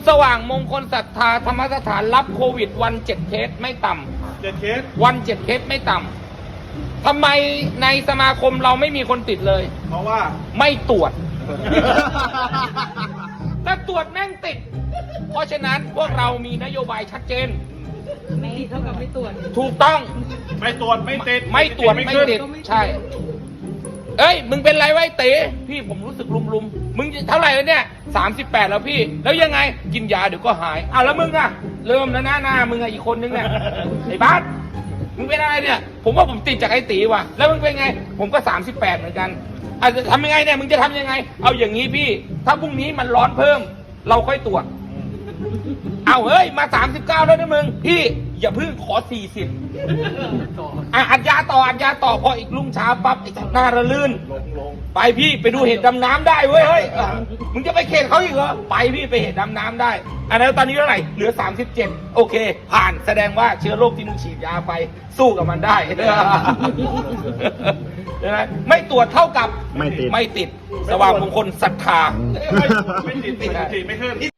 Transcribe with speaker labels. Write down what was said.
Speaker 1: สว่างมงคลศรัทธาธรรมสถานรับโควิดวัน7 เคสไม่ต่ำ
Speaker 2: 7 เคส
Speaker 1: วัน7 เคสไม่ต่ำทำไมในสมาคมเราไม่มีคนติดเลย
Speaker 2: เพราะว่า
Speaker 1: ไม่ตรวจ ถ้าตรวจแม่งติด เพราะฉะนั้นพวกเรามีนโยบายชัดเจน
Speaker 3: ไม่เท่ากับไม่ตรวจ
Speaker 1: ถูกต้อง
Speaker 2: ไม่ตรวจไม่ติด
Speaker 1: ไม่ตรวจไม่
Speaker 2: ขึ้น
Speaker 1: ติด ใช่ เอ้ย มึงเป็นไรไวะไอ้เต๋พี่ผมรู้สึกลุมๆ มึงเท่าไหร่แล้วเนี่ย38แล้วพี่ แล้วยังไง กินยาเดี๋ยวก็หายอ้าวแล้วมึงอะเริ่มแล้วหน้ามึงอะอีกคนนึงเนี่ย ไอ้บาสมึงเป็นอะไรเนี่ย ผมว่าผมติดจากไอ้ตีว่ะ แล้วมึงเป็นไง ผมก็38เหมือนกันอาจจะทำยังไงเนี่ย มึงจะทำยังไง เอาอย่างนี้พี่ ถ้าพรุ่งนี้มันร้อนเพิ่ม เราค่อยตรวจ เอาเฮ้ยมา39แล้วนะมึงพี่อย่าเพิ่งขอ40อัดยาต่อพออีกรุ่งเช้าปั๊บไอ้หน้าระลื่น
Speaker 2: ลง
Speaker 1: ไปพี่ไปดูเห็ดดำน้ำได้เว้ยเฮ้ยมึงจะไปเขตเขาอีกเหรอไปพี่ไปเห็ดดำน้ำได้อันนั้นตอนนี้เท่าไหร่เหลือ37โอเค ผ่านแสดงว่าเชื้อโรคที่มึงฉีดยาไปสู้กับมันได้ ใช่ไหมไม่ตรวจเท่ากับ
Speaker 4: ไม่ติด
Speaker 1: สว่างมงคลศรัทธา
Speaker 2: ไม่ติดไม่ขึ้น
Speaker 1: ที่